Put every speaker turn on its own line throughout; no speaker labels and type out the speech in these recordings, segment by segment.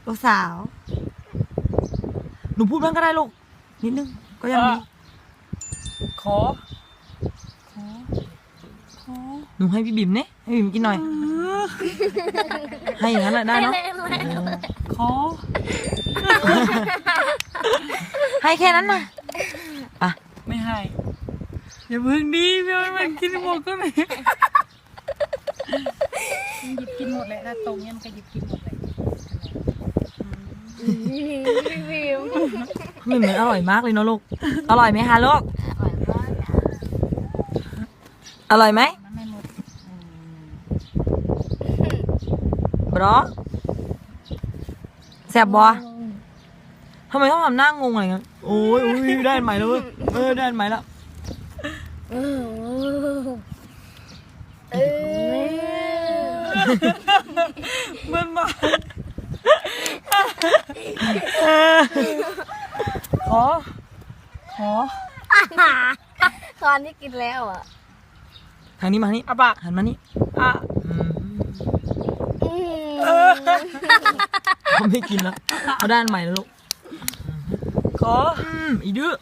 ลูกสาวหนูพูดบ้างก็ได้ลูกนิดนึงก็ยังดี
ขอ
หนูให้พี่บิ่มเนี่ยให้บิ่มกินหน่อยให้อย่างนั้นแหละได้เนาะ
ขอ
ให้แค่นั้นนะอ่ะ
ไม่ให้อย่าเพิ่งดีพี่มันกินหมดก็เลย
หยิบกินหมดเลยถ้าตรงเนี้ยมันก็หยิบกินหมดเลย
บิ่มมันอร่อยมากเลยเนาะลูกอร่อยไหมคะลูกอร่อยไหม
ไม่หมด
บรอแซ่บบ่ทำไมต้องทำหน้างงอะไรเงี้ยโอ้ยได้อันใหม่แล้วเว้ยได้อันใหม่แล้ว
มันมาขอ
ตอนที่กินแล้วอ่ะ
ทางนี้มานี่
อะปาก
หันมานี่เขาไม่กินแล้วเขาได้อันใหม่แล้วลูก
ขอ
อีดื้อ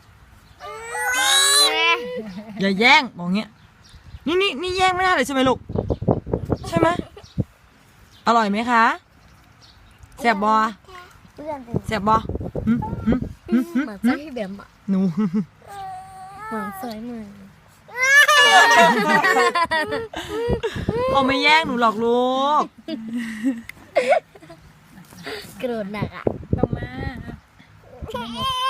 อย่าแย่งบอกเงี้ยนี่แย่งไม่ได้เลยใช่ไหมลูกใช่ไหมอร่อยไหมคะแซ่บบอแซ่บบอ
เหมือนเจ้าพี่แบมอ่ะ
หนู
เหมือนสวยเหมือน
เขาไม่แย่งหนูหรอกลูก
โกรธหนักอ่ะ
ต้องมา